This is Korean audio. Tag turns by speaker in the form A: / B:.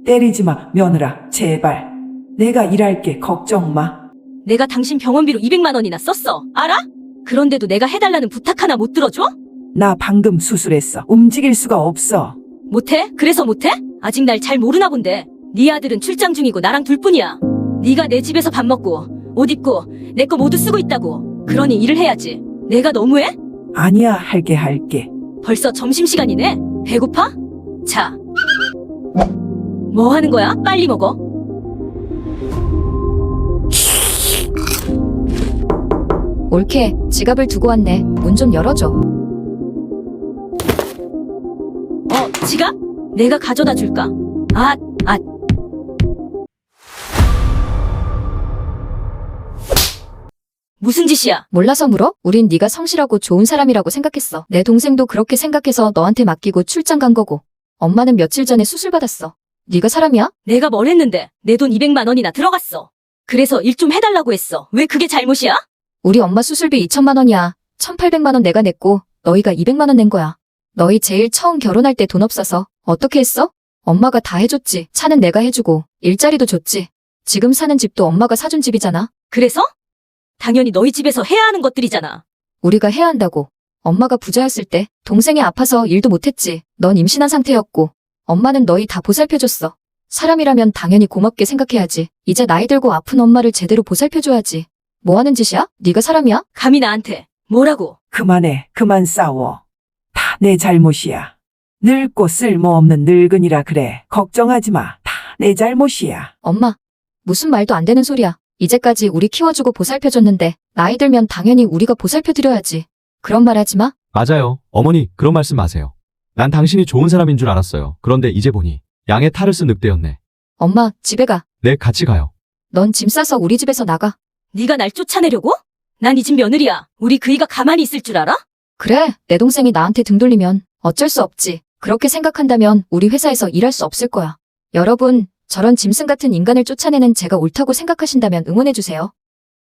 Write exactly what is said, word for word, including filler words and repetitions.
A: 때리지 마, 며느라. 제발. 내가 일할게. 걱정 마.
B: 내가 당신 병원비로 이백만 원이나 썼어. 알아? 그런데도 내가 해달라는 부탁 하나 못 들어줘?
A: 나 방금 수술했어. 움직일 수가 없어.
B: 못해? 그래서 못해? 아직 날 잘 모르나 본데. 네 아들은 출장 중이고 나랑 둘뿐이야. 네가 내 집에서 밥 먹고 옷 입고 내 거 모두 쓰고 있다고. 그러니 일을 해야지. 내가 너무해?
A: 아니야, 할게, 할게.
B: 벌써 점심시간이네. 배고파? 자. 뭐 하는 거야? 빨리 먹어.
C: 옳게 지갑을 두고 왔네. 문 좀 열어줘.
B: 어, 지갑? 내가 가져다 줄까? 아, 아. 무슨 짓이야?
C: 몰라서 물어? 우린 네가 성실하고 좋은 사람이라고 생각했어. 내 동생도 그렇게 생각해서 너한테 맡기고 출장 간 거고. 엄마는 며칠 전에 수술 받았어. 네가 사람이야?
B: 내가 뭘 했는데 내 돈 이백만 원이나 들어갔어. 그래서 일 좀 해달라고 했어. 왜 그게 잘못이야?
C: 우리 엄마 수술비 이천만 원이야. 천팔백만 원 내가 냈고 너희가 이백만 원 낸 거야. 너희 제일 처음 결혼할 때 돈 없어서 어떻게 했어? 엄마가 다 해줬지. 차는 내가 해주고 일자리도 줬지. 지금 사는 집도 엄마가 사준 집이잖아.
B: 그래서? 당연히 너희 집에서 해야 하는 것들이잖아.
C: 우리가 해야 한다고. 엄마가 부자였을 때 동생이 아파서 일도 못했지. 넌 임신한 상태였고 엄마는 너희 다 보살펴줬어. 사람이라면 당연히 고맙게 생각해야지. 이제 나이 들고 아픈 엄마를 제대로 보살펴줘야지. 뭐 하는 짓이야? 네가 사람이야?
B: 감히 나한테 뭐라고?
A: 그만해. 그만 싸워. 다 내 잘못이야. 늙고 쓸모없는 늙은이라 그래. 걱정하지 마. 다 내 잘못이야.
C: 엄마, 무슨 말도 안 되는 소리야. 이제까지 우리 키워주고 보살펴줬는데 나이 들면 당연히 우리가 보살펴드려야지. 그런 말 하지 마.
D: 맞아요. 어머니, 그런 말씀 마세요. 난 당신이 좋은 사람인 줄 알았어요. 그런데 이제 보니 양의 탈을 쓴 늑대였네.
C: 엄마, 집에 가.
D: 네, 같이 가요.
C: 넌 짐 싸서 우리 집에서 나가.
B: 네가 날 쫓아내려고? 난 이 집 며느리야. 우리 그이가 가만히 있을 줄 알아?
C: 그래, 내 동생이 나한테 등 돌리면 어쩔 수 없지. 그렇게 생각한다면 우리 회사에서 일할 수 없을 거야. 여러분, 저런 짐승 같은 인간을 쫓아내는 제가 옳다고 생각하신다면 응원해주세요.